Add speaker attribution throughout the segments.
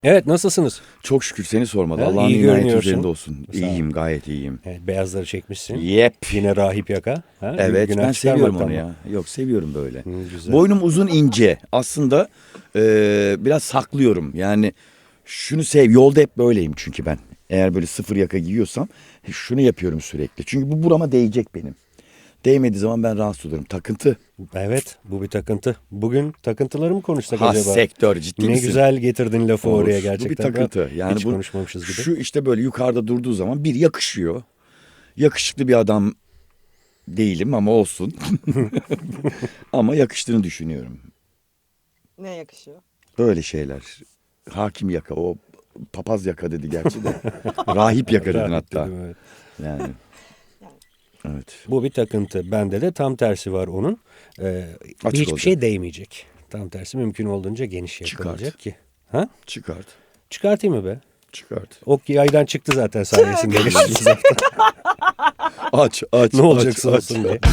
Speaker 1: Evet, nasılsınız?
Speaker 2: Çok şükür seni sormalı.
Speaker 1: Ha,
Speaker 2: Allah'ın
Speaker 1: iyi
Speaker 2: inayeti
Speaker 1: görünüyorsun.
Speaker 2: üzerinde olsun.
Speaker 1: Sağ ol.
Speaker 2: İyiyim, gayet iyiyim.
Speaker 1: Evet, beyazları çekmişsin.
Speaker 2: Yep.
Speaker 1: Yine rahip yaka. Ha?
Speaker 2: Evet,
Speaker 1: Günah
Speaker 2: ben seviyorum
Speaker 1: çıkarmaktan
Speaker 2: onu
Speaker 1: mı?
Speaker 2: ya. Yok, seviyorum böyle.
Speaker 1: Güzel.
Speaker 2: Boynum uzun ince. Aslında biraz saklıyorum. Yani şunu yolda hep böyleyim çünkü ben. Eğer böyle sıfır yaka giyiyorsam şunu yapıyorum sürekli. Çünkü bu burama değecek benim. Değmediği zaman ben rahatsız olurum. Takıntı.
Speaker 1: Evet, bu bir takıntı. Bugün takıntıları mı konuşsak
Speaker 2: Ha
Speaker 1: acaba?
Speaker 2: sektör ciddi
Speaker 1: Ne
Speaker 2: misin?
Speaker 1: güzel getirdin lafı
Speaker 2: Of,
Speaker 1: oraya
Speaker 2: bu
Speaker 1: gerçekten.
Speaker 2: bir takıntı. Yani
Speaker 1: Hiç
Speaker 2: bu
Speaker 1: konuşmamışız gibi.
Speaker 2: şu işte böyle yukarıda durduğu zaman bir yakışıyor. Yakışıklı bir adam değilim ama olsun. Ama yakıştığını düşünüyorum.
Speaker 3: Ne yakışıyor?
Speaker 2: Böyle şeyler. Hakim yaka, o papaz yaka dedi gerçi de. Rahip yaka dedin
Speaker 1: Rahip
Speaker 2: hatta.
Speaker 1: dedim, evet.
Speaker 2: Yani. Evet.
Speaker 1: Bu bir takıntı. Bende de tam tersi var onun.
Speaker 2: Açık
Speaker 1: Hiçbir
Speaker 2: olacak.
Speaker 1: şey değmeyecek. Tam tersi mümkün olduğunca geniş
Speaker 2: Çıkart.
Speaker 1: yapılacak ki. Ha?
Speaker 2: Çıkart.
Speaker 1: Çıkartayım mı be?
Speaker 2: Çıkart.
Speaker 1: Ok yaydan çıktı zaten sayesinde. geçtiğimiz hafta.
Speaker 2: Aç.
Speaker 1: Ne olacaksa
Speaker 2: aç.
Speaker 1: olsun diye.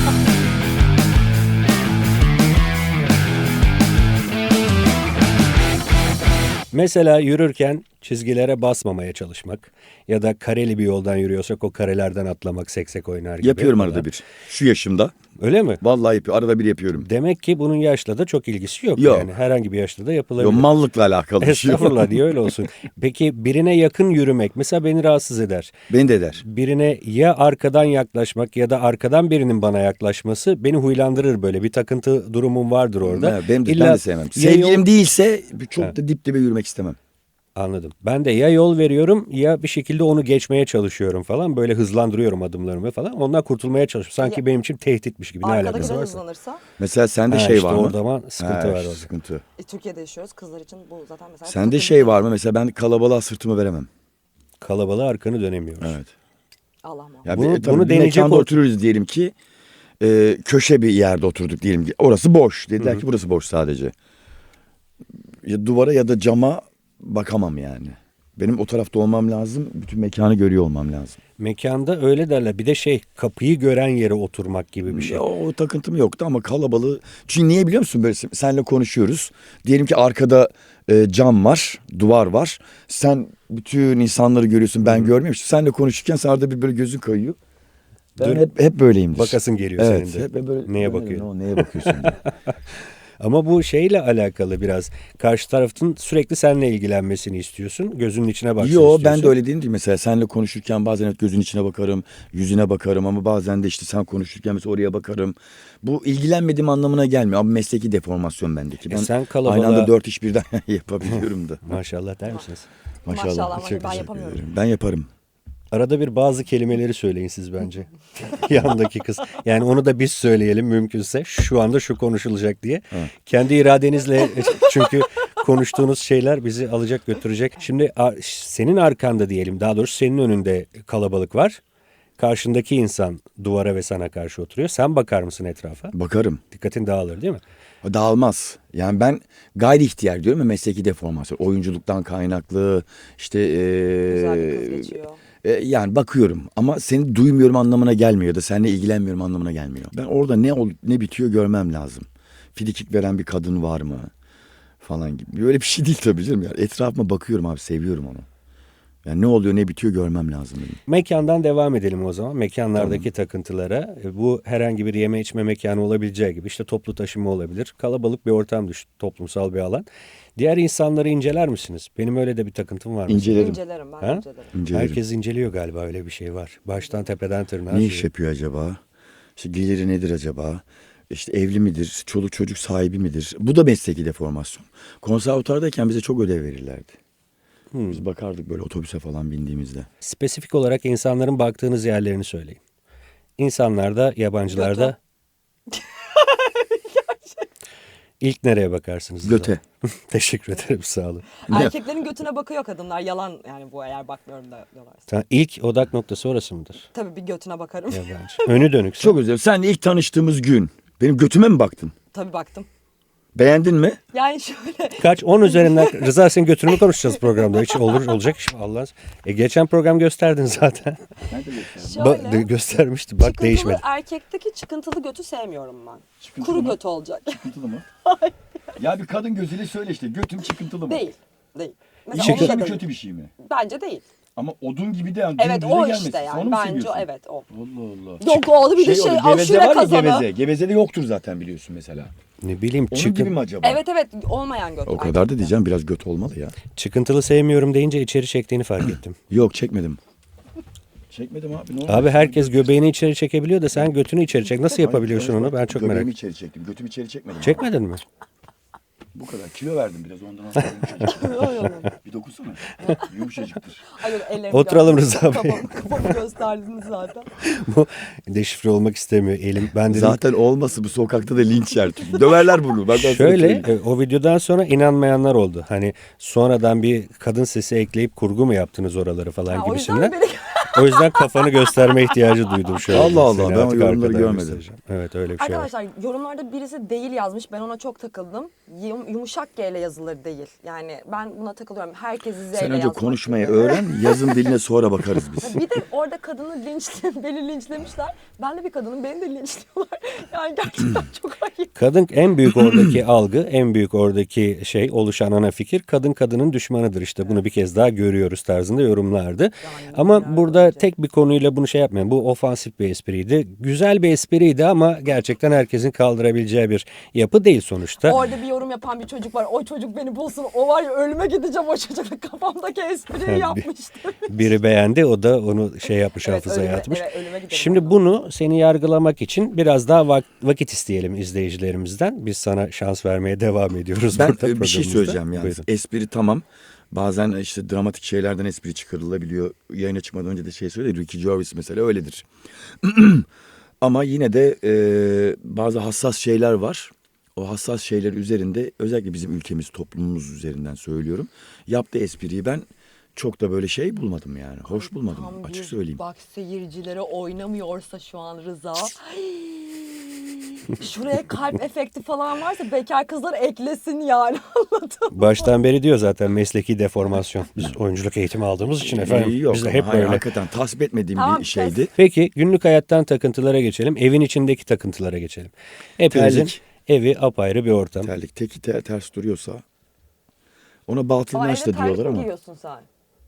Speaker 1: Mesela yürürken çizgilere basmamaya çalışmak ya da kareli bir yoldan yürüyorsak o karelerden atlamak, seksek oynar gibi.
Speaker 2: Yapıyorum
Speaker 1: falan.
Speaker 2: arada bir. Şu yaşımda.
Speaker 1: Öyle mi?
Speaker 2: Vallahi yapıyorum. Arada bir yapıyorum.
Speaker 1: Demek ki bunun yaşla da çok ilgisi yok.
Speaker 2: Yok.
Speaker 1: Yani herhangi bir yaşta da
Speaker 2: Yo,
Speaker 1: yapılabilir.
Speaker 2: mallıkla alakalı bir şey.
Speaker 1: Estağfurullah diye öyle olsun. Peki birine yakın yürümek mesela beni rahatsız eder.
Speaker 2: Beni de eder.
Speaker 1: Birine ya arkadan yaklaşmak ya da arkadan birinin bana yaklaşması beni huylandırır böyle. Bir takıntı durumum vardır orada.
Speaker 2: Evet, ben
Speaker 1: İlla
Speaker 2: de sevmem.
Speaker 1: ya
Speaker 2: Sevgilim
Speaker 1: yol-
Speaker 2: değilse çok da dip dibe yürümek istemem.
Speaker 1: Anladım. Ben de ya yol veriyorum ya bir şekilde onu geçmeye çalışıyorum falan. Böyle hızlandırıyorum adımlarımı falan. Ondan kurtulmaya çalışıyorum. Sanki
Speaker 3: Ya-
Speaker 1: benim için tehditmiş gibi ne alakası
Speaker 3: Arkadakiler
Speaker 1: varsa.
Speaker 3: hızlanırsa
Speaker 2: Mesela sende
Speaker 1: Ha,
Speaker 2: şey
Speaker 1: işte
Speaker 2: var mı?
Speaker 1: orada ama sıkıntı var orada.
Speaker 2: Sıkıntı.
Speaker 3: Türkiye'de yaşıyoruz. Kızlar için bu zaten mesela
Speaker 2: Sende
Speaker 3: takıntı.
Speaker 2: şey var mı? Mesela ben kalabalığa sırtımı veremem.
Speaker 1: Kalabalığa arkanı dönemiyoruz.
Speaker 2: Evet.
Speaker 3: Allah muhafaza.
Speaker 2: Ya
Speaker 1: Bunu-
Speaker 2: tabii
Speaker 1: bunu
Speaker 2: bir
Speaker 1: deneyecek
Speaker 2: mekanda
Speaker 1: ol-
Speaker 2: oturuyoruz diyelim ki köşe bir yerde oturduk diyelim ki orası boş. Dediler ki burası boş sadece. Ya duvara ya da cama bakamam yani. Benim o tarafta olmam lazım. Bütün mekanı görüyor olmam lazım.
Speaker 1: Mekanda öyle derler. Bir de kapıyı gören yere oturmak gibi bir şey.
Speaker 2: Ya, o takıntım yoktu ama kalabalığı. Çünkü niye biliyor musun? Böyle senle konuşuyoruz. Diyelim ki arkada cam var, duvar var. Sen bütün insanları görüyorsun. Ben görmüyorum. İşte senle konuşurken sen arada bir böyle gözün kayıyor. Ben
Speaker 1: Dur.
Speaker 2: hep böyleyimdir.
Speaker 1: Bakasın geliyor
Speaker 2: Evet,
Speaker 1: senin de.
Speaker 2: hep böyle.
Speaker 1: Neye
Speaker 2: "O ne,
Speaker 1: bakıyor?"
Speaker 2: o neye bakıyorsun diye.
Speaker 1: Ama bu şeyle alakalı biraz. Karşı tarafın sürekli seninle ilgilenmesini istiyorsun. Gözünün içine baksın
Speaker 2: Yo
Speaker 1: istiyorsun.
Speaker 2: ben de öyle değilim. Mesela senle konuşurken bazen hep gözün içine bakarım, yüzüne bakarım ama bazen de işte sen konuşurken mesela oraya bakarım. Bu ilgilenmediğim anlamına gelmiyor. Ama mesleki deformasyon bendeki. Ben
Speaker 1: sen
Speaker 2: aynı anda
Speaker 1: kalabalığa-
Speaker 2: 4 iş birden yapabiliyorum da.
Speaker 1: Maşallah der misiniz?
Speaker 3: Maşallah ama
Speaker 1: Çok
Speaker 3: ben
Speaker 1: teşekkür
Speaker 3: yapamıyorum.
Speaker 2: ederim. Ben yaparım.
Speaker 1: Arada bir bazı kelimeleri söyleyin siz bence. Yandaki kız. Yani onu da biz söyleyelim mümkünse. Şu anda şu konuşulacak diye. Kendi iradenizle çünkü konuştuğunuz şeyler bizi alacak götürecek. Şimdi senin arkanda diyelim, daha doğrusu senin önünde kalabalık var. Karşındaki insan duvara ve sana karşı oturuyor. Sen bakar mısın etrafa?
Speaker 2: Bakarım.
Speaker 1: Dikkatin dağılır değil mi?
Speaker 2: Dağılmaz. Yani ben gayri ihtiyar diyorum ya, mesleki deformasyon. Oyunculuktan kaynaklı işte
Speaker 3: Güzel bir kız geçiyor.
Speaker 2: yani bakıyorum ama seni duymuyorum anlamına gelmiyor ya da seninle ilgilenmiyorum anlamına gelmiyor. Ben orada ne bitiyor görmem lazım. Frikik veren bir kadın var mı falan gibi. Böyle bir şey değil tabii canım. Yani etrafıma bakıyorum abi, seviyorum onu. Yani ne oluyor ne bitiyor görmem lazım benim.
Speaker 1: Mekandan devam edelim o zaman. Mekanlardaki takıntılara. Bu herhangi bir yeme içme mekanı olabileceği gibi işte toplu taşıma olabilir. Kalabalık bir ortam düşün, toplumsal bir alan. Diğer insanları inceler misiniz? Benim öyle de bir takıntım var. mesela.
Speaker 2: İncelerim.
Speaker 3: İncelerim ben
Speaker 1: Ha?
Speaker 3: incelerim.
Speaker 2: İncelerim.
Speaker 1: Herkes inceliyor galiba, öyle bir şey var. Baştan tepeden tırnağa.
Speaker 2: Ne iş yapıyor acaba? İşte geliri nedir acaba? İşte evli midir? Çoluk çocuk sahibi midir? Bu da mesleki deformasyon. Konservatuvardayken bize çok ödev verirlerdi. Biz bakardık böyle otobüse falan bindiğimizde.
Speaker 1: Spesifik olarak insanların baktığınız yerlerini söyleyin. İnsanlarda, yabancılarda. İlk nereye bakarsınız? o
Speaker 2: Göte.
Speaker 1: zaman? Teşekkür ederim, sağ olun.
Speaker 3: Erkeklerin götüne bakıyor kadınlar. Yalan yani bu, eğer bakmıyorum da diyorlarsa.
Speaker 1: Tamam, ilk odak noktası orası mıdır?
Speaker 3: Tabii bir götüne bakarım.
Speaker 1: Yabancı. Önü dönük.
Speaker 2: Çok özür dilerim. Sen ilk tanıştığımız gün benim götüme mi baktın?
Speaker 3: Tabii baktım.
Speaker 2: Beğendin mi?
Speaker 3: Yani şöyle
Speaker 1: Kaç? 10 üzerinden Rıza, senin götünü mü konuşacağız programda? Hiç olacak iş mi? Allah. Geçen program gösterdin zaten.
Speaker 3: şöyle.
Speaker 1: Göstermişti. Bak,
Speaker 3: çıkıntılı
Speaker 1: değişmedi.
Speaker 3: erkekteki çıkıntılı götü sevmiyorum ben. Kuru
Speaker 2: mı?
Speaker 3: götü olacak.
Speaker 2: Çıkıntılı mı? Ya bir kadın gözüyle söyle işte, götüm çıkıntılı mı?
Speaker 3: Değil. Değil. Mesela
Speaker 1: Çıkın-
Speaker 3: onun da
Speaker 2: mi
Speaker 3: değil.
Speaker 2: kötü bir şey mi?
Speaker 3: Bence değil.
Speaker 2: Ama odun gibi de yani
Speaker 3: Evet
Speaker 2: dümdüze
Speaker 3: o
Speaker 2: gelmesin.
Speaker 3: işte
Speaker 2: Sen
Speaker 3: yani.
Speaker 2: onu mu
Speaker 3: Bence
Speaker 2: seviyorsun?
Speaker 3: evet o.
Speaker 2: Allah Allah.
Speaker 3: Yok oğlu bir de
Speaker 2: Şey,
Speaker 3: şey
Speaker 2: o geveze
Speaker 3: aşure
Speaker 2: var ya
Speaker 3: kazanı.
Speaker 2: geveze. Gevezede yoktur zaten biliyorsun mesela.
Speaker 1: Ne bileyim
Speaker 2: Onun gibi
Speaker 1: çıkın,
Speaker 2: mi acaba?
Speaker 3: Evet evet olmayan göt.
Speaker 2: O kadar da diyeceğim biraz göt olmalı ya.
Speaker 1: çıkıntılı sevmiyorum deyince içeri çektiğini fark ettim.
Speaker 2: Yok çekmedim. Çekmedim abi. Ne oldu?
Speaker 1: Abi herkes göbeğini içeri çekebiliyor da sen götünü içeri çek. Nasıl yapabiliyorsun
Speaker 2: Hayır,
Speaker 1: onu? Ben çok merak
Speaker 2: göbeğimi
Speaker 1: ettim.
Speaker 2: içeri çektim. Götümü içeri çekmedim.
Speaker 1: Çekmedin mi?
Speaker 2: Bu kadar. Kilo verdim biraz ondan sonra yumuşacık. Bir dokusana. Yumuşacıktır.
Speaker 1: Oturalım Rıza Bey.
Speaker 3: Kafamı gösterdiniz zaten.
Speaker 1: Bu deşifre olmak istemiyor elim. Ben dedim
Speaker 2: Zaten olması bu sokakta da linç yer. Çünkü döverler bunu. Ben sana
Speaker 1: şöyle
Speaker 2: söyleyeyim.
Speaker 1: o videodan sonra inanmayanlar oldu. Hani sonradan bir kadın sesi ekleyip kurgu mu yaptınız oraları falan
Speaker 3: Ha, o yüzden
Speaker 1: gibisinden.
Speaker 3: beni...
Speaker 1: O yüzden kafanı gösterme ihtiyacı duydum şu an.
Speaker 2: Allah Allah,
Speaker 1: Seni
Speaker 2: ben o
Speaker 1: artık
Speaker 2: yorumları
Speaker 1: arkadan
Speaker 2: görmedim.
Speaker 1: göstereceğim. Evet öyle bir şey var.
Speaker 3: Arkadaşlar yorumlarda birisi değil yazmış. Ben ona çok takıldım. Yumuşak G ile yazılır değil. Yani ben buna takılıyorum. Herkesi Z ile
Speaker 2: Sen önce
Speaker 3: yazmak
Speaker 2: konuşmayı
Speaker 3: gibi.
Speaker 2: öğren. Yazın diline sonra bakarız biz.
Speaker 3: Bir de orada kadını beni linçlemişler. Ben de bir kadının beni de linçliyorlar. Yani gerçekten çok ayıp.
Speaker 1: Kadın en büyük oradaki algı, en büyük oradaki şey oluşan ana fikir kadın kadının düşmanıdır işte. Bunu bir kez daha görüyoruz tarzında yorumlardı. Ama burada tek bir konuyla bunu şey yapmayın. Bu ofansif bir espriydi. Güzel bir espriydi ama gerçekten herkesin kaldırabileceği bir yapı değil sonuçta.
Speaker 3: Orada bir yorum yapan bir çocuk var. O çocuk beni bulsun. O var ya ölüme gideceğim o çocukla. Kafamdaki espriyi yapmıştı.
Speaker 1: Biri beğendi, o da onu şey yapmış, hafızaya atmış.
Speaker 3: Evet, ölüme giderim
Speaker 1: Şimdi
Speaker 3: ondan.
Speaker 1: bunu seni yargılamak için biraz daha vakit isteyelim izleyicilerimizden. Biz sana şans vermeye devam ediyoruz
Speaker 2: Ben
Speaker 1: burada
Speaker 2: bir şey
Speaker 1: programımızda.
Speaker 2: söyleyeceğim yani.
Speaker 1: Buyurun.
Speaker 2: Espri tamam. Bazen işte dramatik şeylerden espri çıkarılabiliyor. Yayına çıkmadan önce de şey söyledi. Ricky Gervais mesela öyledir. Ama yine de bazı hassas şeyler var. O hassas şeyler üzerinde özellikle bizim ülkemiz, toplumumuz üzerinden söylüyorum. Yaptığı espriyi ben çok da böyle şey bulmadım yani. Hoş bulmadım
Speaker 3: Tam
Speaker 2: açık
Speaker 3: bir
Speaker 2: söyleyeyim.
Speaker 3: Bak seyircilere oynamıyorsa şu an Rıza. Şuraya kalp efekti falan varsa bekar kızlar eklesin yani anladın mı?
Speaker 1: Baştan beri diyor zaten mesleki deformasyon. Biz oyunculuk eğitimi aldığımız için efendim.
Speaker 2: Yok
Speaker 1: Biz de
Speaker 2: ama
Speaker 1: hep
Speaker 2: hayır,
Speaker 1: böyle.
Speaker 2: hakikaten tasvip etmediğim
Speaker 3: Tamam,
Speaker 2: bir şeydi.
Speaker 1: Peki günlük hayattan takıntılara geçelim. Evin içindeki takıntılara geçelim. Hepimizin
Speaker 2: Terlik.
Speaker 1: evi apayrı bir ortam.
Speaker 2: Terlik teki ters duruyorsa ona batıl
Speaker 3: Ama
Speaker 2: inanç
Speaker 3: evde
Speaker 2: da
Speaker 3: terlik
Speaker 2: diyorlar
Speaker 3: mi
Speaker 2: ama.
Speaker 3: giyiyorsun sen?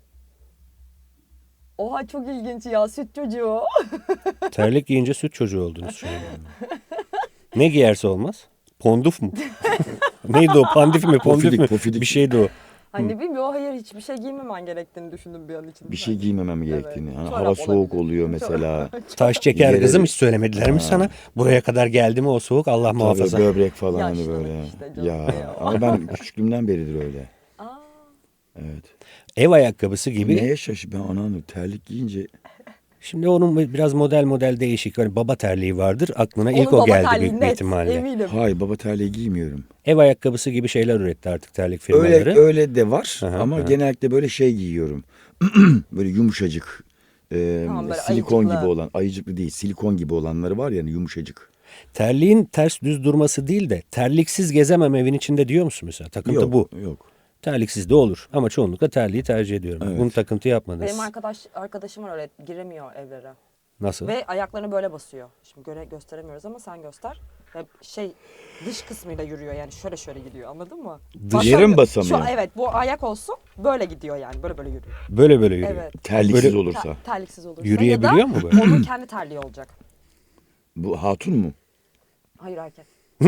Speaker 3: Oha çok ilginç ya süt çocuğu.
Speaker 1: Terlik giyince süt çocuğu oldunuz şu an. Ne giyerse olmaz? Ponduf mu? Neydi o? Pandif mi? Pondif
Speaker 2: Pofidik,
Speaker 1: mi?
Speaker 2: pofidik.
Speaker 1: Bir şeydi o.
Speaker 3: Hani bilmiyorum hayır hiçbir şey giymemen gerektiğini düşündüm bir an için.
Speaker 2: Bir şey giymemem gerektiğini.
Speaker 3: Evet.
Speaker 2: Hani
Speaker 3: Çorap
Speaker 2: hava soğuk
Speaker 3: olabilir.
Speaker 2: oluyor mesela.
Speaker 1: Taş çeker
Speaker 2: Yere-
Speaker 1: kızım hiç söylemediler mi sana? Buraya kadar geldi mi o soğuk Allah
Speaker 2: Tabii
Speaker 1: muhafaza.
Speaker 2: böbrek falan hani
Speaker 3: Yaşlılık
Speaker 2: böyle.
Speaker 3: işte canım
Speaker 2: Ya
Speaker 3: ya.
Speaker 2: ama ben küçüklüğümden beridir öyle.
Speaker 3: Aa,
Speaker 1: Evet. Ev ayakkabısı gibi.
Speaker 2: Neye şaşı ben anlamadım. Terlik giyince
Speaker 1: Şimdi onun biraz model değişik. Hani baba terliği vardır. Aklına ilk
Speaker 3: onun
Speaker 1: o
Speaker 3: baba
Speaker 1: geldi
Speaker 3: terliği
Speaker 1: büyük bir
Speaker 3: net,
Speaker 1: ihtimalle.
Speaker 3: Eminim.
Speaker 2: hayır baba terliği giymiyorum.
Speaker 1: Ev ayakkabısı gibi şeyler üretti artık terlik firmaları.
Speaker 2: Öyle de var
Speaker 1: Aha,
Speaker 2: ama
Speaker 1: aha.
Speaker 2: genellikle böyle şey giyiyorum. Böyle yumuşacık.
Speaker 3: Tamam, böyle
Speaker 2: silikon
Speaker 3: ayıcıklı.
Speaker 2: gibi olan, ayıcıklı değil, silikon gibi olanları var yani yumuşacık.
Speaker 1: Terliğin ters düz durması değil de terliksiz gezemem evin içinde diyor musun mesela? Takıntı
Speaker 2: Yok,
Speaker 1: bu.
Speaker 2: yok.
Speaker 1: Terliksiz de olur ama çoğunlukla terliği tercih ediyorum.
Speaker 2: Evet.
Speaker 1: Bunu takıntı yapmadınız.
Speaker 3: Benim arkadaşım var öyle giremiyor evlere.
Speaker 1: Nasıl?
Speaker 3: Ve ayaklarını böyle basıyor. Şimdi gösteremiyoruz ama sen göster. Ve dış kısmıyla yürüyor yani şöyle gidiyor anladın mı?
Speaker 2: Yere mi basamıyor?
Speaker 3: Evet bu ayak olsun böyle gidiyor yani böyle yürüyor.
Speaker 1: Böyle yürüyor.
Speaker 3: Evet.
Speaker 2: Terliksiz
Speaker 1: Böyle-
Speaker 2: olursa.
Speaker 3: Terliksiz olursa.
Speaker 1: Yürüyebiliyor
Speaker 3: ya da
Speaker 1: mu böyle?
Speaker 3: onun kendi terliği olacak.
Speaker 2: Bu hatun mu?
Speaker 3: Hayır erkek.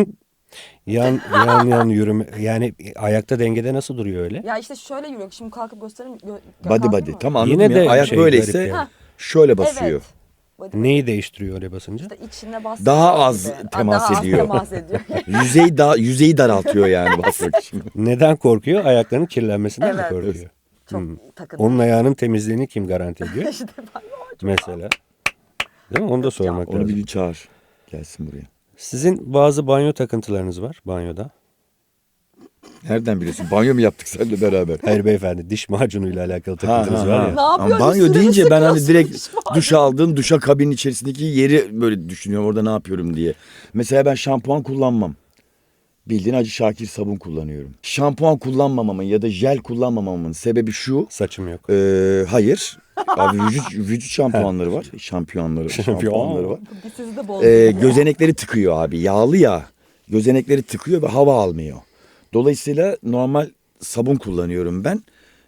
Speaker 1: Yan yürüme. Yani ayakta dengede nasıl duruyor öyle?
Speaker 3: Ya işte şöyle yürüyor. Şimdi kalkıp göstereyim.
Speaker 2: Body. Tam anladım
Speaker 1: Yine
Speaker 2: ya.
Speaker 1: de
Speaker 2: Ayak
Speaker 1: şey,
Speaker 2: böyleyse
Speaker 1: garip yani.
Speaker 2: şöyle basıyor.
Speaker 3: Evet. Body.
Speaker 1: Neyi değiştiriyor öyle basınca?
Speaker 3: İşte içine bas.
Speaker 2: Daha az temas
Speaker 3: daha
Speaker 2: ediyor.
Speaker 3: Az temas ediyor.
Speaker 2: Yüzeyi daraltıyor yani basmak için.
Speaker 1: Neden korkuyor? Ayaklarının kirlenmesinden mi
Speaker 3: Evet.
Speaker 1: korkuyor?
Speaker 3: Çok takıntı.
Speaker 1: Onun ayağının temizliğini kim garanti ediyor?
Speaker 3: İşte ben
Speaker 1: Mesela. Değil mi? Onu da sormak
Speaker 2: Onu
Speaker 1: lazım.
Speaker 2: bir çağır. Gelsin buraya.
Speaker 1: Sizin bazı banyo takıntılarınız var banyoda.
Speaker 2: Nereden biliyorsun? Banyo mu yaptık seninle beraber?
Speaker 1: Hayır beyefendi diş macunuyla alakalı takıntınız var ya.
Speaker 3: Ne yapıyorsun?
Speaker 2: Ama banyo
Speaker 3: Üstüne mi
Speaker 2: deyince ben hani
Speaker 3: sıkıyorsun
Speaker 2: direkt
Speaker 3: diş macunu?
Speaker 2: duş aldın, duşa kabinin içerisindeki yeri böyle düşünüyorum orada ne yapıyorum diye. Mesela ben şampuan kullanmam. Bildiğin Hacı Şakir sabun kullanıyorum. Şampuan kullanmamamın ya da jel kullanmamamın sebebi şu.
Speaker 1: Saçım yok.
Speaker 2: Hayır. Abi vücut şampuanları var. Şampuanları var.
Speaker 3: Bir sizi de bozdum.
Speaker 2: Gözenekleri tıkıyor abi. Yağlı ya. Gözenekleri tıkıyor ve hava almıyor. Dolayısıyla normal sabun kullanıyorum ben.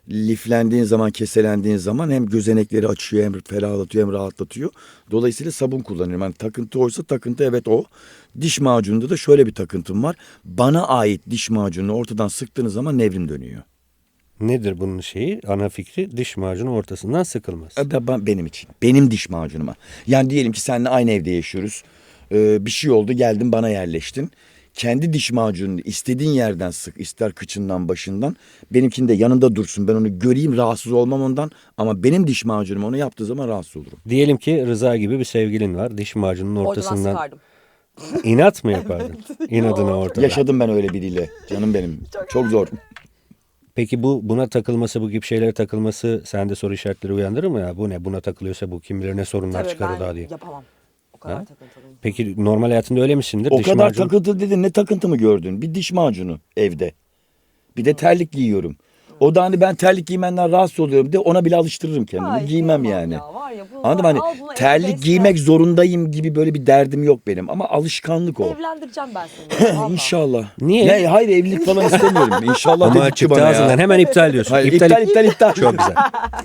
Speaker 2: liflendiğin zaman, keselendiğin zaman hem gözenekleri açıyor, hem ferahlatıyor, hem rahatlatıyor. Dolayısıyla sabun kullanıyorum. Yani takıntı oysa takıntı, evet o. Diş macununda da şöyle bir takıntım var. Bana ait diş macununu ortadan sıktığınız zaman nevrim dönüyor.
Speaker 1: Nedir bunun şeyi? Ana fikri diş macunu ortasından sıkılması.
Speaker 2: Benim için. Benim diş macunuma. Yani diyelim ki seninle aynı evde yaşıyoruz. Bir şey oldu, geldin bana yerleştin. Kendi diş macununu istediğin yerden sık. İster kıçından, başından. Benimkinin de yanında dursun. Ben onu göreyim, rahatsız olmam ondan. Ama benim diş macunum onu yaptığı zaman rahatsız olurum.
Speaker 1: Diyelim ki Rıza gibi bir sevgilin var. Diş macununun
Speaker 3: Oradan
Speaker 1: ortasından
Speaker 3: sıkardım.
Speaker 1: inat mı yapardın? İnadına ortada.
Speaker 2: Yaşadım ben öyle biriyle. Canım benim. Çok zor.
Speaker 1: Peki buna takılması, bu gibi şeylere takılması sende soru işaretleri uyandırır mı ya? Bu ne? Buna takılıyorsa bu kim bilir ne sorunlar
Speaker 3: Tabii
Speaker 1: çıkarır
Speaker 3: ben
Speaker 1: daha diye.
Speaker 3: yapamam. O kadar
Speaker 1: Ha?
Speaker 3: takıntılıyım.
Speaker 1: Peki normal hayatında öyle misindir?
Speaker 2: O
Speaker 1: Diş
Speaker 2: kadar
Speaker 1: macunu-
Speaker 2: takıntı dedin. Ne takıntı mı gördün? Bir diş macunu evde. Bir de terlik giyiyorum. O da hani ben terlik giymenden rahatsız oluyorum de ona bile alıştırırım kendimi.
Speaker 3: Ay,
Speaker 2: Giymem
Speaker 3: kıyamam
Speaker 2: yani.
Speaker 3: ya, var ya, bu
Speaker 2: Anladın
Speaker 3: var,
Speaker 2: mı?
Speaker 3: al
Speaker 2: Hani
Speaker 3: bunu,
Speaker 2: terlik
Speaker 3: evde
Speaker 2: giymek
Speaker 3: besle.
Speaker 2: zorundayım gibi böyle bir derdim yok benim. Ama alışkanlık o.
Speaker 3: Evlendireceğim ben seni. Vallahi.
Speaker 2: İnşallah.
Speaker 1: Niye?
Speaker 2: Ne, hayır evlilik falan istemiyorum. İnşallah
Speaker 1: Ama
Speaker 2: dedik ki
Speaker 1: çıktı
Speaker 2: bana
Speaker 1: ağzından
Speaker 2: ya.
Speaker 1: hemen iptal diyorsun.
Speaker 2: Hayır, iptal.
Speaker 1: Çok güzel.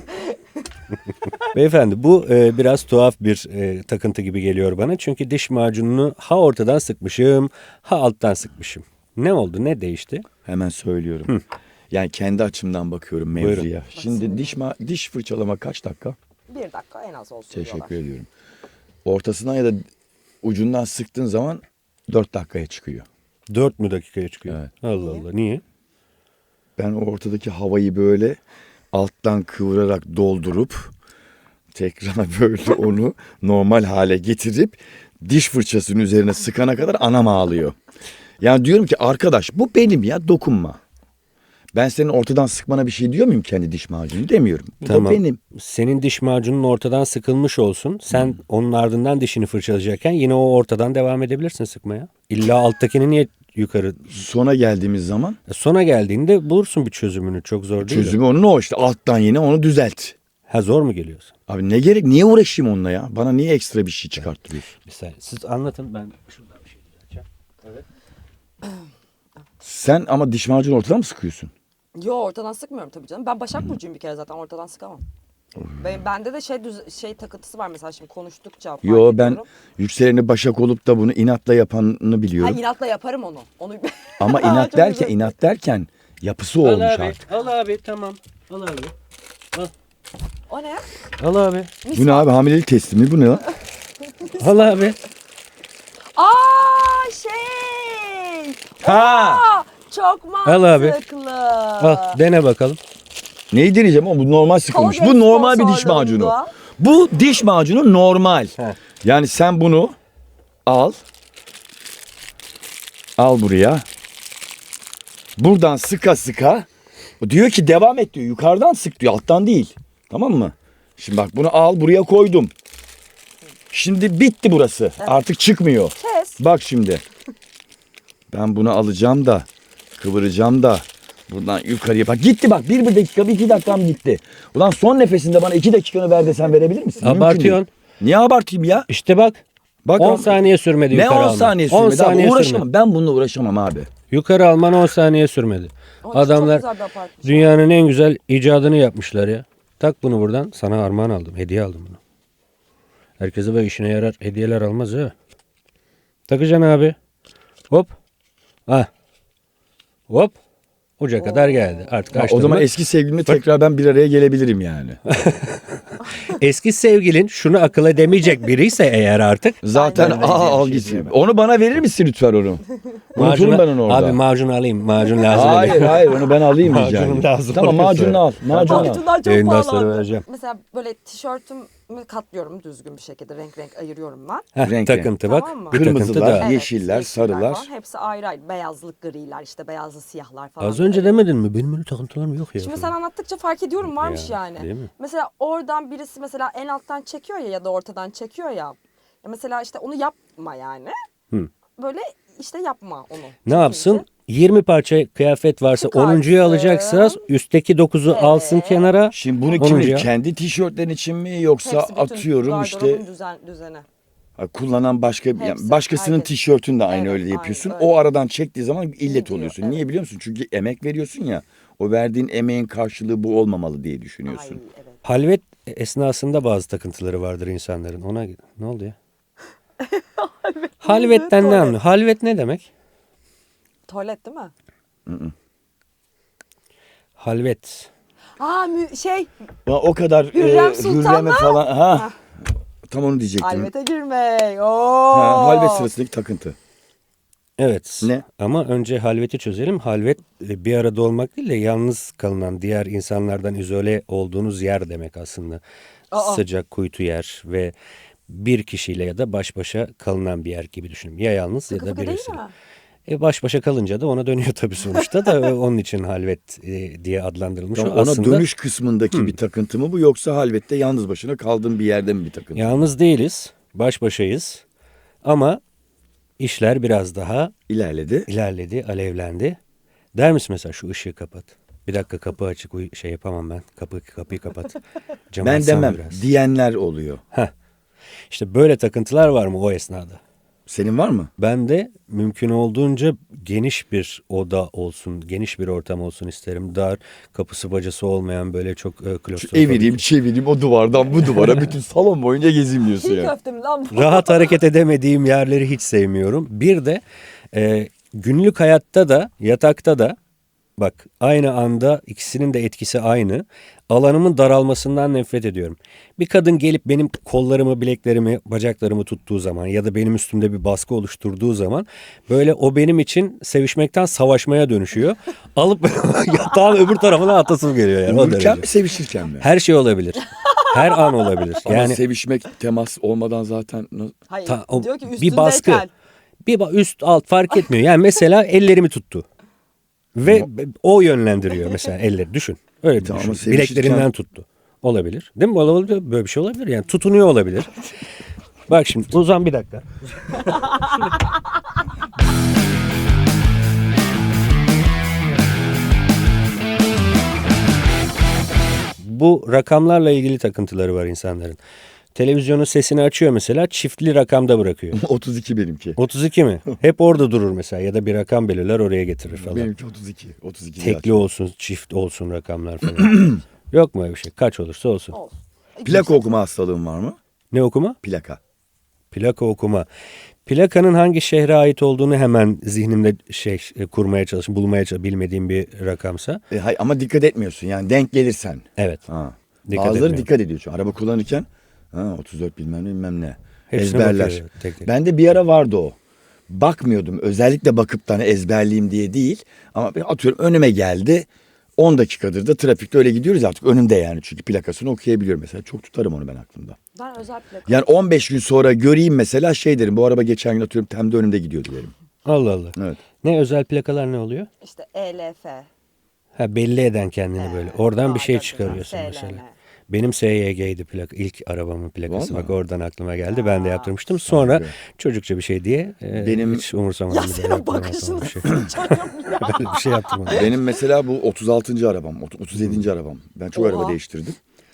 Speaker 1: Beyefendi bu biraz tuhaf bir takıntı gibi geliyor bana. Çünkü diş macununu ha ortadan sıkmışım ha alttan sıkmışım. Ne oldu? Ne değişti?
Speaker 2: Hemen söylüyorum. Yani kendi açımdan bakıyorum
Speaker 1: Buyurun.
Speaker 2: mevzuya. Şimdi diş fırçalama kaç dakika?
Speaker 3: 1 dakika en az olsun
Speaker 2: Teşekkür
Speaker 3: diyorlar.
Speaker 2: ediyorum. Ortasından ya da ucundan sıktığın zaman 4 dakikaya çıkıyor.
Speaker 1: 4 mü dakikaya çıkıyor?
Speaker 2: Evet.
Speaker 1: Allah Allah. Niye?
Speaker 2: Ben ortadaki havayı böyle alttan kıvırarak doldurup tekrar böyle onu normal hale getirip diş fırçasının üzerine sıkana kadar anam ağlıyor. Yani diyorum ki arkadaş bu benim ya, dokunma. Ben senin ortadan sıkmana bir şey diyor muyum kendi diş macunu? Demiyorum. Bu da
Speaker 1: Tamam.
Speaker 2: benim.
Speaker 1: Senin diş macunun ortadan sıkılmış olsun. Sen onun ardından dişini fırçalayacakken yine o ortadan devam edebilirsin sıkmaya. İlla alttakini niye yukarı?
Speaker 2: Sona geldiğimiz zaman
Speaker 1: Sona geldiğinde bulursun bir çözümünü. Çok zor değil.
Speaker 2: çözümü onun o işte, alttan yine onu düzelt.
Speaker 1: Ha, zor mu geliyorsun?
Speaker 2: Abi ne gerek, niye uğraşayım onunla ya? Bana niye ekstra bir şey çıkarttırıyorsun?
Speaker 1: Mesela siz anlatın, ben şuradan bir şey düzelteceğim. Evet.
Speaker 2: Sen ama diş macunu ortadan mı sıkıyorsun?
Speaker 3: Yo, ortadan sıkmıyorum tabii canım. Ben Başak Burcu'yum bir kere, zaten ortadan sıkamam. Bende de şey takıntısı var mesela, şimdi konuştukça fark
Speaker 2: Yo, ben
Speaker 3: ediyorum.
Speaker 2: yükseleni Başak olup da bunu inatla yapanını biliyorum.
Speaker 3: Ha, inatla yaparım onu.
Speaker 2: Ama
Speaker 3: Çok
Speaker 2: inat
Speaker 3: güzel.
Speaker 2: derken yapısı olmuş artık.
Speaker 1: Al abi, tamam. Al abi.
Speaker 3: O ne?
Speaker 1: Al abi.
Speaker 2: Bu ne abi, hamilelik testi mi bu ne lan?
Speaker 1: Al abi.
Speaker 3: Aa, şey.
Speaker 2: Ha!
Speaker 3: Aa, çok mantıklı.
Speaker 1: Al abi. Al, dene bakalım.
Speaker 2: Neyi deneyeceğim ama bu normal sıkılmış.
Speaker 3: Colgate
Speaker 2: Bu normal bir diş macunu.
Speaker 3: sponsorluğunda.
Speaker 2: Bu diş macunu normal.
Speaker 1: Heh.
Speaker 2: Yani sen bunu al. Al buraya. Buradan sıka sıka. O diyor ki devam et diyor. Yukarıdan sık diyor. Alttan değil. Tamam mı? Şimdi bak bunu al, buraya koydum. Şimdi bitti burası. Artık çıkmıyor.
Speaker 3: Kes.
Speaker 2: Bak şimdi. Ben bunu alacağım da kıvıracağım da buradan yukarıya bak. Gitti bak. Bir dakika, bir 2 dakikam gitti. Ulan son nefesinde bana 2 dakikanı ver desen verebilir misin? Mümkün
Speaker 1: Abartıyorsun.
Speaker 2: değil. Niye abartayım ya?
Speaker 1: İşte bak.
Speaker 2: Bak
Speaker 1: 10 saniye sürmedi
Speaker 2: ne
Speaker 1: yukarı
Speaker 2: 10
Speaker 1: alman.
Speaker 2: saniye
Speaker 1: 10
Speaker 2: sürmedi abi,
Speaker 1: saniye
Speaker 2: uğraşamam.
Speaker 1: sürmedi.
Speaker 2: Ben bununla uğraşamam abi.
Speaker 1: Yukarı alman 10 saniye sürmedi.
Speaker 3: Çok
Speaker 1: Adamlar
Speaker 3: güzel bir apartman.
Speaker 1: dünyanın en güzel icadını yapmışlar ya. Tak bunu buradan. Sana armağan aldım. Hediye aldım bunu. Herkese böyle işine yarar hediyeler almaz ha. Takacaksın abi. Hop. Ah. Hop. Uca kadar geldi. Artık
Speaker 2: Ha,
Speaker 1: açtın
Speaker 2: o zaman
Speaker 1: mı?
Speaker 2: eski sevgilimle tekrar ben bir araya gelebilirim yani.
Speaker 1: Eski sevgilin şunu akıl edemeyecek biriyse eğer artık.
Speaker 2: Zaten
Speaker 3: Aynen.
Speaker 2: al
Speaker 1: şey
Speaker 2: gitsin. Onu bana verir misin lütfen onu? Unuturum ben onu orada.
Speaker 1: Abi macun alayım. Macun lazım.
Speaker 2: Hayır onu ben alayım rica
Speaker 1: Macunum
Speaker 2: ederim.
Speaker 1: lazım
Speaker 2: Tamam
Speaker 1: oluyorsa.
Speaker 2: macunu al. Macunu al.
Speaker 3: Macunlar çok
Speaker 1: Yayından sonra
Speaker 3: pahalandı.
Speaker 1: vereceğim.
Speaker 3: Mesela böyle tişörtümü katlıyorum düzgün bir şekilde. Renk renk ayırıyorum ben.
Speaker 1: Heh,
Speaker 2: Renk
Speaker 1: takıntı bak.
Speaker 3: Tamam mı?
Speaker 1: Bir takıntı
Speaker 2: Kırmızılar,
Speaker 1: daha.
Speaker 2: yeşiller, sarılar.
Speaker 3: falan. Hepsi ayrı ayrı. Beyazlık, griler, işte beyazlı siyahlar falan.
Speaker 1: Az önce demedin mi? Benim öyle takıntılarım yok ya.
Speaker 3: Şimdi sen anlattıkça fark ediyorum, varmış
Speaker 1: Ya,
Speaker 3: yani.
Speaker 1: değil mi?
Speaker 3: Mesela oradan birisi mesela en alttan çekiyor ya da ortadan çekiyor ya. Ya mesela işte onu yapma yani.
Speaker 1: Hı.
Speaker 3: Böyle işte yapma onu.
Speaker 1: Ne yapsın? 20 parça kıyafet varsa
Speaker 3: Çıkarsın.
Speaker 1: 10'uncuyu alacaksa üstteki 9'u alsın kenara.
Speaker 2: Şimdi bunu
Speaker 1: Onuncu
Speaker 2: kim
Speaker 1: ya.
Speaker 2: kendi tişörtlerin için mi yoksa
Speaker 3: Hepsi bütün
Speaker 2: atıyorum işte
Speaker 3: gardırobun düzeni.
Speaker 2: kullanan başka yani
Speaker 3: Hepsi,
Speaker 2: başkasının
Speaker 3: herkes.
Speaker 2: tişörtünü de aynı
Speaker 3: Evet,
Speaker 2: öyle
Speaker 3: aynen
Speaker 2: yapıyorsun.
Speaker 3: öyle.
Speaker 2: O aradan çektiği zaman illet
Speaker 3: Gidiyor,
Speaker 2: oluyorsun.
Speaker 3: evet.
Speaker 2: Niye biliyor musun? Çünkü emek veriyorsun ya. O verdiğin emeğin karşılığı bu olmamalı diye düşünüyorsun.
Speaker 3: Ay evet.
Speaker 1: Halvet esnasında bazı takıntıları vardır insanların. Ona ne oldu ya? Halvetten ne
Speaker 3: tuvalet.
Speaker 1: anlıyor? Halvet ne demek?
Speaker 3: Tuvalet değil mi?
Speaker 1: Halvet.
Speaker 3: Aa
Speaker 2: O kadar
Speaker 3: Hürrem Sultan'la-
Speaker 2: Hürrem'e falan. Ha. Tam onu diyecektim.
Speaker 3: halvete girmek. Oo.
Speaker 2: Halvet sırasındaki takıntı.
Speaker 1: Evet.
Speaker 2: Ne?
Speaker 1: Ama önce halveti çözelim. Halvet bir arada olmak değil de yalnız kalınan, diğer insanlardan izole olduğunuz yer demek aslında.
Speaker 3: Aa.
Speaker 1: Sıcak kuytu yer ve bir kişiyle ya da baş başa kalınan bir yer gibi düşünün. Ya yalnız
Speaker 3: Sıkı
Speaker 1: ya da
Speaker 3: fıkı değil
Speaker 1: birisiyle.
Speaker 3: mi?
Speaker 1: Baş başa kalınca da ona dönüyor tabii sonuçta da onun için halvet diye adlandırılmış.
Speaker 2: Tamam,
Speaker 1: O
Speaker 2: ona
Speaker 1: aslında
Speaker 2: dönüş kısmındaki bir takıntı mı bu, yoksa halvette yalnız başına kaldığın bir yerde mi bir takıntı?
Speaker 1: yalnız değiliz, baş başayız ama işler biraz daha
Speaker 2: İlerledi.
Speaker 1: ilerledi, alevlendi. Der misin mesela şu ışığı kapat. Bir dakika kapı açık şey yapamam ben. Kapıyı kapat. Camı
Speaker 2: Ben
Speaker 1: açsam
Speaker 2: demem
Speaker 1: biraz.
Speaker 2: diyenler oluyor.
Speaker 1: İşte böyle takıntılar var mı o esnada?
Speaker 2: Senin var mı?
Speaker 1: Ben de mümkün olduğunca geniş bir oda olsun, geniş bir ortam olsun isterim. Dar, kapısı bacası olmayan böyle çok klostrofobik.
Speaker 2: Evireyim çevireyim o duvardan bu duvara bütün salon boyunca gezeyim diyorsun
Speaker 3: Çiğ
Speaker 2: yani.
Speaker 3: köfte mi lan bu?
Speaker 1: Rahat hareket edemediğim yerleri hiç sevmiyorum. Bir de günlük hayatta da yatakta da bak aynı anda ikisinin de etkisi aynı. Alanımın daralmasından nefret ediyorum. Bir kadın gelip benim kollarımı, bileklerimi, bacaklarımı tuttuğu zaman ya da benim üstümde bir baskı oluşturduğu zaman böyle o benim için sevişmekten savaşmaya dönüşüyor. Alıp yatağın öbür tarafına atasım geliyor yani o
Speaker 2: Uyurken
Speaker 1: derece.
Speaker 2: mi sevişirken mi?
Speaker 1: Her şey olabilir. Her an olabilir.
Speaker 2: Ama
Speaker 1: Yani
Speaker 2: sevişmek temas olmadan zaten
Speaker 3: Hayır
Speaker 1: o
Speaker 3: diyor ki
Speaker 1: bir baskı.
Speaker 3: üstündeyken.
Speaker 1: Üst alt fark etmiyor. Yani mesela ellerimi tuttu. Ve o yönlendiriyor mesela elleri. Düşün. Öyle bir
Speaker 2: Tamam,
Speaker 1: düşün.
Speaker 2: ama sevişirken-
Speaker 1: Bileklerimden tuttu. Olabilir. Değil mi? Olabilir. Böyle bir şey olabilir. Yani tutunuyor olabilir. Bak şimdi uzan bir dakika. Bu rakamlarla ilgili takıntıları var insanların. Televizyonun sesini açıyor mesela çiftli rakamda bırakıyor.
Speaker 2: 32 benimki.
Speaker 1: 32 mi? Hep orada durur mesela ya da bir rakam belirler oraya getirir falan.
Speaker 2: Benimki 32. 32
Speaker 1: Tekli olsun, çift olsun rakamlar falan. Yok mu öyle bir şey? Kaç olursa olsun.
Speaker 3: Olsun.
Speaker 2: Plaka okuma hastalığın var mı?
Speaker 1: Ne okuma?
Speaker 2: Plaka.
Speaker 1: Plaka okuma. Plakanın hangi şehre ait olduğunu hemen zihnimde kurmaya çalışın, bulmaya çalışın, bilmediğim bir rakamsa.
Speaker 2: Hayır, ama dikkat etmiyorsun yani denk gelirsen.
Speaker 1: Evet.
Speaker 2: Ha.
Speaker 1: Dikkat
Speaker 2: Bazıları
Speaker 1: etmiyorum.
Speaker 2: dikkat ediyor. Çünkü araba kullanırken 34 bilmem ne.
Speaker 1: Hepsine
Speaker 2: Ezberler.
Speaker 1: bakıyor, tek tek.
Speaker 2: Bende bir ara vardı o. Bakmıyordum. Özellikle bakıp da hani ezberleyeyim diye değil. Ama atıyorum önüme geldi. 10 dakikadır da trafikte öyle gidiyoruz artık önümde yani. Çünkü plakasını okuyabiliyorum mesela. Çok tutarım onu ben aklımda.
Speaker 3: Ben özel plaka.
Speaker 2: Yani 15 gün sonra göreyim mesela şey derim. Bu araba geçen gün atıyorum Tem'de önümde gidiyordu derim.
Speaker 1: Allah Allah.
Speaker 2: Evet.
Speaker 1: Ne özel plakalar ne oluyor?
Speaker 3: İşte ELF.
Speaker 1: Ha belli eden kendini böyle. Oradan bir şey
Speaker 3: A4,
Speaker 1: çıkarıyorsun
Speaker 3: SLM.
Speaker 1: mesela. Benim SYG'ydi plaka. İlk arabamın plakası.
Speaker 2: Vallahi.
Speaker 1: Bak oradan aklıma geldi. Ben de yaptırmıştım. Sonra
Speaker 2: Saygı.
Speaker 1: çocukça bir şey diye
Speaker 2: Benim-
Speaker 1: hiç umursamadım.
Speaker 3: Ya
Speaker 1: bir de
Speaker 3: senin
Speaker 1: yaptırmam
Speaker 3: bakışın
Speaker 1: falan bir şey.
Speaker 3: çocuk ya.
Speaker 1: Böyle bir şey yaptırmadım.
Speaker 2: Benim mesela bu 36. arabam, 37. arabam. Ben çok
Speaker 3: Oha.
Speaker 2: araba değiştirdim.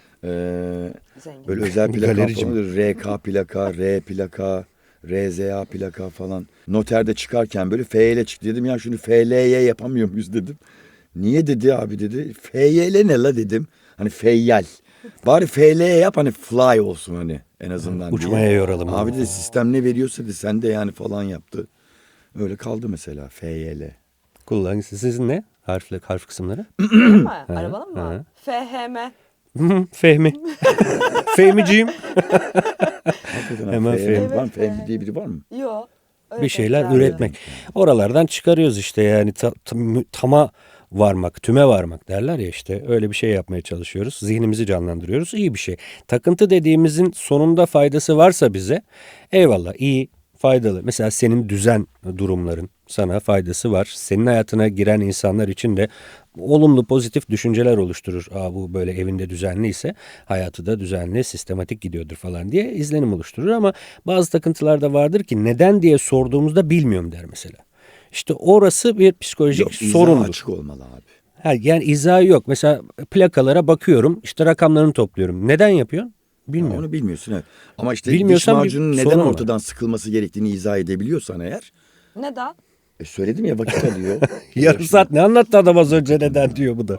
Speaker 3: Zengin.
Speaker 2: Böyle özel plaka
Speaker 1: Galerici mi?
Speaker 2: falan, RK plaka, R plaka, RZA plaka falan. Noterde çıkarken böyle FL çıktı dedim ya şunu FL'ye yapamıyor muyuz dedim. Niye dedi abi dedi. FYL ne la dedim. Hani feyyal. Bari FL'ye yap hani fly olsun hani en azından diye.
Speaker 1: Uçmaya yoralım.
Speaker 2: Abi dedi sistem ne veriyorsa dedi sen de yani falan yaptı. Öyle kaldı mesela FYL.
Speaker 1: Kullan. Sizin ne? Harf kısımları?
Speaker 3: Değil mi? Arabanın mı?
Speaker 1: hı.
Speaker 3: FHM.
Speaker 1: Fehmi. Fehmiciğim.
Speaker 2: Hakikaten
Speaker 1: Hemen
Speaker 2: Fehmi
Speaker 1: Fehmi.
Speaker 2: var mı? Fehmi diye biri var mı?
Speaker 3: Yok.
Speaker 1: Bir şeyler üretmek. Oralardan çıkarıyoruz işte yani tama varmak, tüme varmak derler ya işte öyle bir şey yapmaya çalışıyoruz. Zihnimizi canlandırıyoruz. İyi bir şey. Takıntı dediğimizin sonunda faydası varsa bize eyvallah iyi, faydalı. Mesela senin düzen durumların sana faydası var. Senin hayatına giren insanlar için de olumlu pozitif düşünceler oluşturur. Bu böyle evinde düzenliyse hayatı da düzenli, sistematik gidiyordur falan diye izlenim oluşturur. Ama bazı takıntılar da vardır ki neden diye sorduğumuzda bilmiyorum der mesela. İşte orası bir psikolojik
Speaker 2: Yok, izah
Speaker 1: sorundur.
Speaker 2: açık olmalı abi.
Speaker 1: Yani izahı yok. Mesela plakalara bakıyorum işte rakamlarını topluyorum. Neden yapıyorsun? Bilmiyorum.
Speaker 2: Onu bilmiyorsun evet. Ama işte
Speaker 1: Bilmiyorsan
Speaker 2: diş
Speaker 1: bir
Speaker 2: macunun neden
Speaker 1: sorun var.
Speaker 2: ortadan sıkılması gerektiğini izah edebiliyorsan eğer
Speaker 3: Neden?
Speaker 2: Söyledim ya, vakit alıyor.
Speaker 1: Yarım saat ne anlattı adam az önce, neden diyor bu da.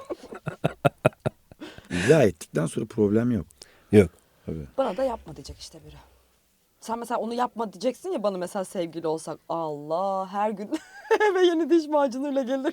Speaker 2: İzah ettikten sonra problem yok.
Speaker 1: Yok.
Speaker 3: Bana da yapma diyecek işte biri. Sen mesela onu yapma diyeceksin ya bana, mesela sevgili olsak. Allah, her gün eve yeni diş macunuyla gelirdin.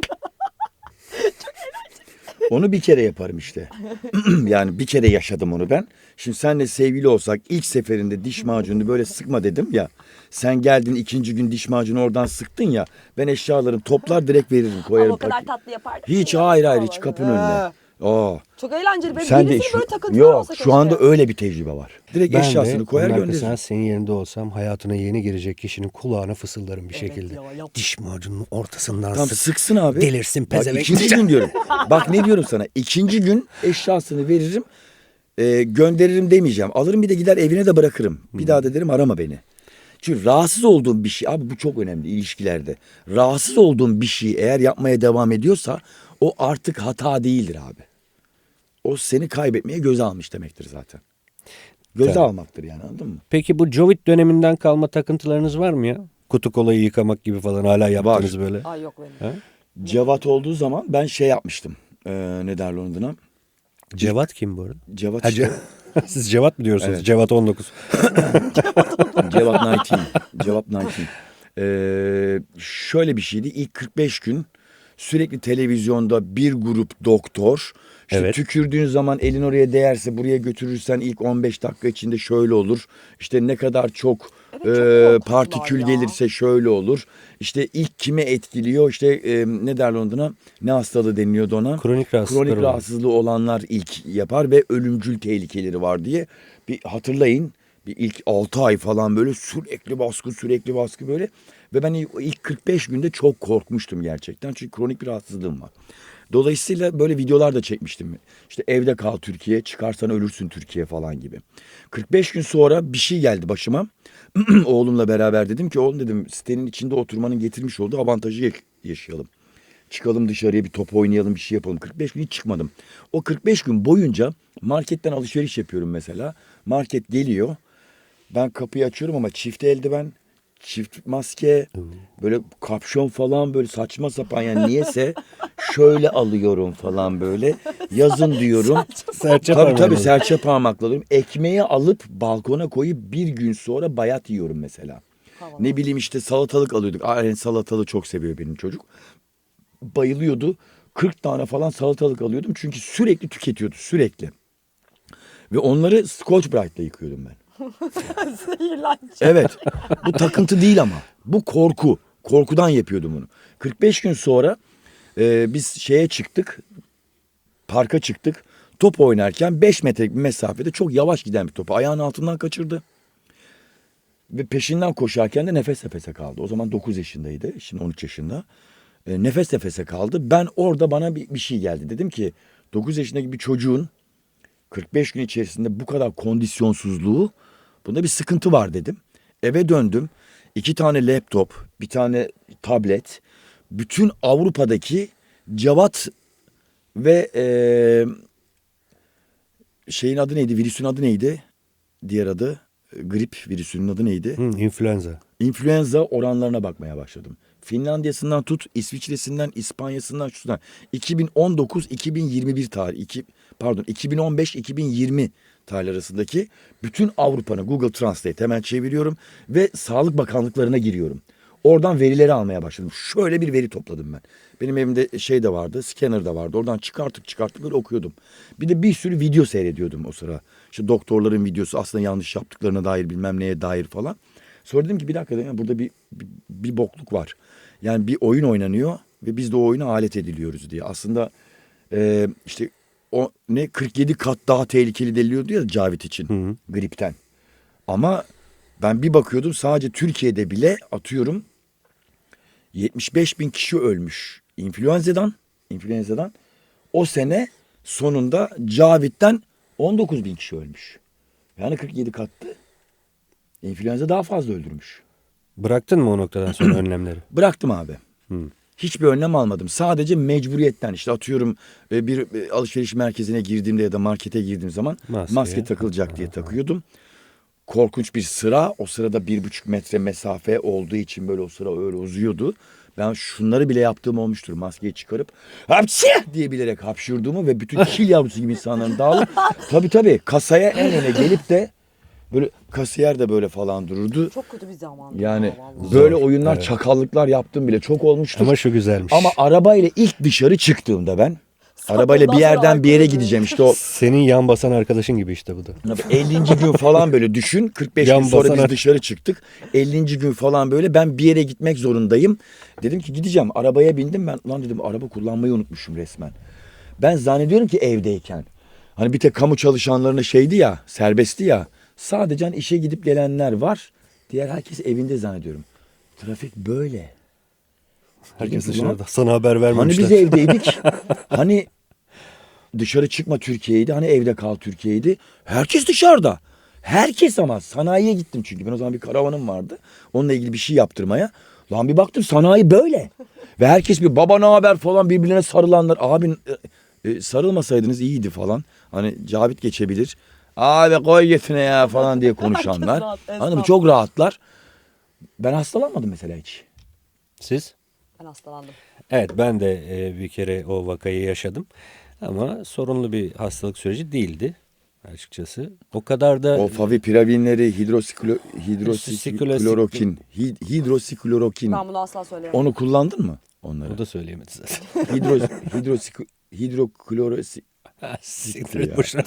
Speaker 2: Onu bir kere yaparım işte. Yani bir kere yaşadım onu ben. Şimdi senle sevgili olsak ilk seferinde diş macununu böyle sıkma dedim ya. Sen geldin ikinci gün diş macunu oradan sıktın ya. Ben eşyalarımı toplar direkt veririm, koyarım.
Speaker 3: Ama o kadar
Speaker 2: pakete.
Speaker 3: tatlı yapardık.
Speaker 2: Hiç
Speaker 3: ki ya.
Speaker 2: hayır hiç
Speaker 3: Vallahi.
Speaker 2: kapının önüne. Aa.
Speaker 3: Çok eğlenceli. Benim
Speaker 2: Sen de
Speaker 3: birisinin
Speaker 2: şu,
Speaker 3: böyle takıntıları
Speaker 2: yok
Speaker 3: olsa
Speaker 2: şu anda
Speaker 3: keşke.
Speaker 2: öyle bir tecrübe var. Direkt
Speaker 1: Ben
Speaker 2: eşyasını
Speaker 1: de
Speaker 2: koyar
Speaker 1: onun
Speaker 2: gönderirim.
Speaker 1: arkasından senin yerinde olsam hayatına yeni girecek kişinin kulağına fısıldarım bir şekilde.
Speaker 3: ya, yap.
Speaker 1: Diş macununun ortasından
Speaker 2: Tam
Speaker 1: sık.
Speaker 2: sıksın abi.
Speaker 1: Delirsin
Speaker 2: Bak,
Speaker 1: pezevenk.
Speaker 2: ikinci gün diyorum. Bak ne diyorum sana. İkinci gün eşyasını veririm. Gönderirim demeyeceğim. Alırım bir de gider evine de bırakırım. Bir daha da derim arama beni. Çünkü rahatsız olduğum bir şey. Abi bu çok önemli ilişkilerde. Rahatsız olduğum bir şeyi eğer yapmaya devam ediyorsa o artık hata değildir abi. O seni kaybetmeye göze almış demektir zaten. Göze
Speaker 1: Tabii.
Speaker 2: almaktır yani, anladın mı?
Speaker 1: Peki bu Covid döneminden kalma takıntılarınız var mı ya? Kutu kolayı yıkamak gibi falan hala yaptınız böyle.
Speaker 3: Ay yok benim.
Speaker 1: Ha?
Speaker 2: Cevat olduğu zaman ben şey yapmıştım. Ne derler onun adına?
Speaker 1: Cevat kim bu arada?
Speaker 2: Cevat
Speaker 1: Ha,
Speaker 2: işte.
Speaker 1: Siz Cevat mı diyorsunuz?
Speaker 2: Evet.
Speaker 1: Cevat 19.
Speaker 2: Cevat 19. Cevat 19. Şöyle bir şeydi. İlk 45 gün sürekli televizyonda bir grup doktor. İşte
Speaker 1: Evet.
Speaker 2: tükürdüğün zaman elin oraya değerse, buraya götürürsen ilk 15 dakika içinde şöyle olur. İşte ne kadar çok
Speaker 3: Evet, çok korkunçlar
Speaker 2: partikül
Speaker 3: ya.
Speaker 2: gelirse şöyle olur. İşte ilk kime etkiliyor? İşte ne derler ona? Ne hastalığı deniliyordu ona?
Speaker 1: Kronik rahatsızlıklar
Speaker 2: Kronik
Speaker 1: olan.
Speaker 2: rahatsızlığı olanlar ilk yapar ve ölümcül tehlikeleri var diye. Bir hatırlayın. Bir ilk 6 ay falan böyle sürekli baskı böyle. Ve ben ilk 45 günde çok korkmuştum gerçekten. Çünkü kronik bir rahatsızlığım var. Dolayısıyla böyle videolar da çekmiştim. İşte evde kal Türkiye, çıkarsan ölürsün Türkiye falan gibi. 45 gün sonra bir şey geldi başıma. Oğlumla beraber dedim ki oğlum dedim sitenin içinde oturmanın getirmiş olduğu avantajı yaşayalım. Çıkalım dışarıya bir top oynayalım, bir şey yapalım. 45 gün hiç çıkmadım. O 45 gün boyunca marketten alışveriş yapıyorum mesela. Market geliyor. Ben kapıyı açıyorum ama çift eldiven, çift maske, böyle kapşon falan böyle saçma sapan yani niyeyse şöyle alıyorum falan böyle. Yazın diyorum.
Speaker 1: Serçe
Speaker 2: Tabii
Speaker 1: parmağıyla.
Speaker 2: serçe parmakla alıyorum. Ekmeği alıp balkona koyup bir gün sonra bayat yiyorum mesela.
Speaker 3: Havalı.
Speaker 2: Ne bileyim işte salatalık alıyorduk. Aynen salatalığı çok seviyor benim çocuk. Bayılıyordu. 40 tane falan salatalık alıyordum. Çünkü sürekli tüketiyordu sürekli. Ve onları Scotch Brite'la yıkıyordum ben.
Speaker 3: Zehirleneceğim.
Speaker 2: Evet. Bu takıntı değil ama. Bu korku. Korkudan yapıyordum bunu. 45 gün sonra biz şeye çıktık. Parka çıktık. Top oynarken 5 metrelik bir mesafede çok yavaş giden bir topu ayağının altından kaçırdı. Ve peşinden koşarken de nefes nefese kaldı. O zaman 9 yaşındaydı. Şimdi 13 yaşında. Nefes nefese kaldı. Ben orada bana bir şey geldi. Dedim ki 9 yaşındaki bir çocuğun 45 gün içerisinde bu kadar kondisyonsuzluğu, bunda bir sıkıntı var dedim. Eve döndüm. 2 tane laptop, bir tane tablet. Bütün Avrupa'daki Cevat ve şeyin adı neydi? Virüsün adı neydi? Diğer adı grip virüsünün adı neydi?
Speaker 1: İnfluenza.
Speaker 2: İnfluenza oranlarına bakmaya başladım. Finlandiya'sından tut, İsviçre'sinden, İspanya'sından, şuradan. 2019-2021 tarih, 2015-2020 tarih arasındaki bütün Avrupa'nın Google Translate hemen çeviriyorum ve Sağlık Bakanlıklarına giriyorum. Oradan verileri almaya başladım. Şöyle bir veri topladım ben. Benim evimde şey de vardı, scanner da vardı. Oradan çıkartıp böyle okuyordum. Bir de bir sürü video seyrediyordum o sıra. İşte doktorların videosu, aslında yanlış yaptıklarına dair, bilmem neye dair falan. Sonra dedim ki bir dakika dedim, burada bir bokluk var. Yani bir oyun oynanıyor ve biz de o oyuna alet ediliyoruz diye. Aslında işte o ne 47 kat daha tehlikeli deniliyordu ya Cavit için gripten. Ama ben bir bakıyordum sadece Türkiye'de bile atıyorum 75 bin kişi ölmüş influenzadan. O sene sonunda Cavit'ten 19 bin kişi ölmüş. Yani 47 kattı. İnfluenza daha fazla öldürmüş.
Speaker 1: Bıraktın mı o noktadan sonra önlemleri?
Speaker 2: Bıraktım abi. Hiçbir önlem almadım. Sadece mecburiyetten işte atıyorum bir alışveriş merkezine girdiğimde ya da markete girdiğim zaman
Speaker 1: Maske.
Speaker 2: maske takılacak diye takıyordum. korkunç bir sıra. O sırada 1,5 metre mesafe olduğu için böyle o sıra öyle uzuyordu. Ben şunları bile yaptığım olmuştur. Maskeyi çıkarıp hapşi diye bilerek hapşurduğumu ve bütün kil yavrusu gibi insanların dağılıp tabii kasaya en öne gelip de böyle kasiyer de böyle falan dururdu.
Speaker 3: Çok kötü bir zamandı.
Speaker 2: Yani
Speaker 3: ya, vallahi.
Speaker 2: böyle oyunlar,
Speaker 1: evet.
Speaker 2: çakallıklar yaptığım bile çok olmuştur.
Speaker 1: Ama şu güzelmiş.
Speaker 2: Ama arabayla ilk dışarı çıktığımda ben
Speaker 3: Sonra
Speaker 2: arabayla bir
Speaker 3: ondan sonra
Speaker 2: yerden bir yere
Speaker 3: alkol
Speaker 2: gideceğim işte o
Speaker 1: Senin yan basan arkadaşın gibi işte bu da.
Speaker 2: 50. gün falan böyle düşün. 45
Speaker 1: Yan
Speaker 2: gün sonra
Speaker 1: basan
Speaker 2: biz dışarı çıktık. 50. gün falan böyle ben bir yere gitmek zorundayım. Dedim ki gideceğim. Arabaya bindim ben. Lan dedim araba kullanmayı unutmuşum resmen. Ben zannediyorum ki evdeyken. Hani bir tek kamu çalışanlarına şeydi ya, serbestti ya. Sadece hani işe gidip gelenler var. Diğer herkes evinde zannediyorum. Trafik böyle.
Speaker 1: Herkes
Speaker 2: Dedim,
Speaker 1: dışarıda. Sana haber
Speaker 2: Hani
Speaker 1: vermemişler.
Speaker 2: biz evdeydik. Hani dışarı çıkma Türkiye'ydi. Hani evde kal Türkiye'ydi. Herkes dışarıda. Herkes ama sanayiye gittim çünkü. Ben o zaman bir karavanım vardı. Onunla ilgili bir şey yaptırmaya. Lan bir baktım sanayi böyle. Ve herkes bir baba ne haber falan birbirine sarılanlar. Abi sarılmasaydınız iyiydi falan. Hani Cavit geçebilir. Abi koy getine ya falan diye konuşanlar.
Speaker 3: Herkes rahat,
Speaker 2: Anladın mı?
Speaker 3: esnaf.
Speaker 2: Çok rahatlar. Ben hastalanmadım mesela hiç.
Speaker 1: Siz?
Speaker 3: Ben hastalandım.
Speaker 1: Evet, ben de bir kere o vakayı yaşadım. Ama sorunlu bir hastalık süreci değildi açıkçası. O kadar da
Speaker 2: O favipilavinleri, hidroksiklorokin, hidroksiklorokin.
Speaker 3: Ben bunu asla söyleyemem.
Speaker 2: Onu kullandın mı onları?
Speaker 1: o da söyleyemedi zaten.
Speaker 2: Hidroklorosi...
Speaker 1: Siktir
Speaker 2: ya.
Speaker 1: et boşuna.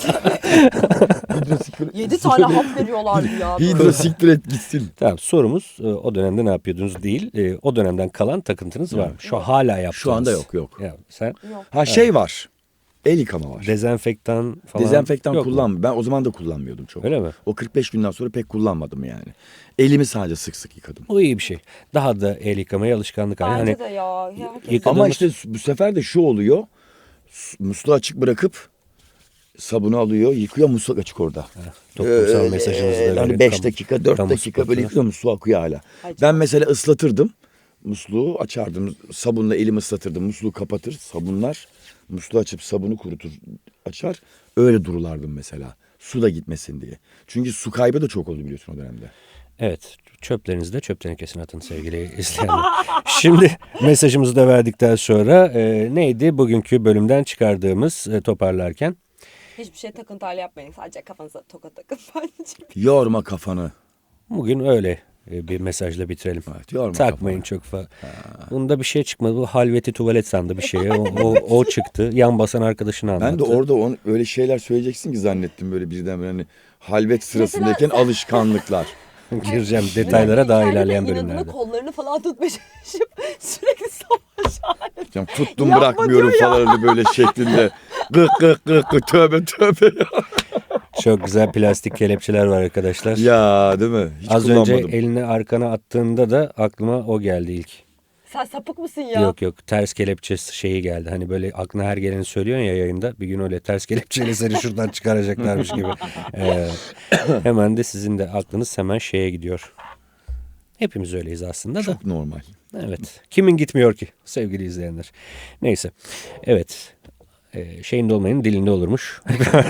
Speaker 3: 7 tane hap veriyorlardı ya. böyle.
Speaker 2: Hidrosiktir et gitsin.
Speaker 1: Tamam, sorumuz o dönemde ne yapıyordunuz değil. O dönemden kalan takıntınız var mı? Şu hala yaptığınız.
Speaker 2: Şu anda yok.
Speaker 1: Ya, sen
Speaker 3: Yok.
Speaker 2: Ha şey var. El yıkama var.
Speaker 1: dezenfektan falan
Speaker 2: Dezenfektan
Speaker 1: yok mu?
Speaker 2: kullanmıyorum. Ben o zaman da kullanmıyordum çok.
Speaker 1: Öyle mi?
Speaker 2: O 45 günden sonra pek kullanmadım yani. Elimi sadece sık sık yıkadım.
Speaker 1: O iyi bir şey. Daha da el yıkamaya alışkanlık haline.
Speaker 3: Bence
Speaker 1: Hani
Speaker 3: de ya. Herkes...
Speaker 1: yıka-
Speaker 2: Ama
Speaker 1: Yıkadığımız-
Speaker 2: işte bu sefer de şu oluyor. Musluğu açık bırakıp sabunu alıyor, yıkıyor, musluk açık orada.
Speaker 1: toplumsal mesajınızı da
Speaker 2: Hani
Speaker 1: verin.
Speaker 2: 5 dakika, 4
Speaker 1: kamu
Speaker 2: dakika böyle
Speaker 1: spotuna.
Speaker 2: yıkıyor, musluğu akıyor hala.
Speaker 3: Ay,
Speaker 2: Ben
Speaker 3: çok-
Speaker 2: mesela ıslatırdım. Musluğu açardım. Sabunla elimi ıslatırdım. Musluğu kapatır. Sabunlar. Musluğu açıp sabunu kurutur. Açar. Öyle durulardım mesela. Su da gitmesin diye. Çünkü su kaybı da çok oldu biliyorsun o dönemde.
Speaker 1: Evet, çöplerinizi de çöp tenekesine atın sevgili izleyenler. Şimdi mesajımızı da verdikten sonra neydi bugünkü bölümden çıkardığımız toparlarken?
Speaker 3: Hiçbir şey takıntıyla yapmayın. Sadece kafanıza toka takın bence.
Speaker 2: Yorma kafanı.
Speaker 1: Bugün öyle bir mesajla bitirelim.
Speaker 2: Evet, yorma
Speaker 1: Takmayın çok fazla. Bunda bir şey çıkmadı. Bu halveti tuvalet sandı bir şey. O çıktı. Yan basan arkadaşını anlattı.
Speaker 2: Ben de orada öyle şeyler söyleyeceksin ki zannettim böyle birden hani halvet sırasındayken alışkanlıklar.
Speaker 1: gireceğim detaylara daha
Speaker 3: Kendine
Speaker 1: ilerleyen
Speaker 3: inadına
Speaker 1: bölümlerde.
Speaker 3: kollarını falan tutmaya çalışıp sürekli savaş halinde.
Speaker 2: Yani tuttum
Speaker 3: Yapma
Speaker 2: bırakmıyorum
Speaker 3: diyor ya.
Speaker 2: falan öyle böyle şeklinde. Gık gık gık gık tövbe ya.
Speaker 1: Çok güzel plastik kelepçeler var arkadaşlar.
Speaker 2: Ya değil mi? Hiç
Speaker 1: Az
Speaker 2: kullanmadım.
Speaker 1: önce elini arkana attığında da aklıma o geldi ilk.
Speaker 3: Sen sapık mısın ya?
Speaker 1: Yok ters kelepçe şeyi geldi. Hani böyle aklına her geleni söylüyorsun ya yayında. Bir gün öyle ters kelepçeyle seni şuradan çıkaracaklarmış gibi. Hemen de sizin de aklınız hemen şeye gidiyor. Hepimiz öyleyiz aslında da.
Speaker 2: Çok normal.
Speaker 1: Evet. Kimin gitmiyor ki sevgili izleyenler. Neyse. Evet. Şeyinde olmayanın dilinde olurmuş.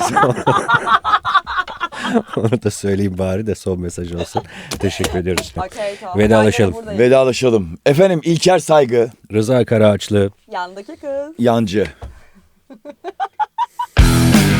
Speaker 1: Onu da söyleyeyim bari de son mesaj olsun. Teşekkür ediyoruz.
Speaker 3: Okey, tamam.
Speaker 1: Vedalaşalım.
Speaker 3: Ben yine buradayım.
Speaker 2: Vedalaşalım. Efendim İlker Saygı,
Speaker 1: Rıza Karaağaçlı.
Speaker 3: Yandaki kız.
Speaker 2: Yancı.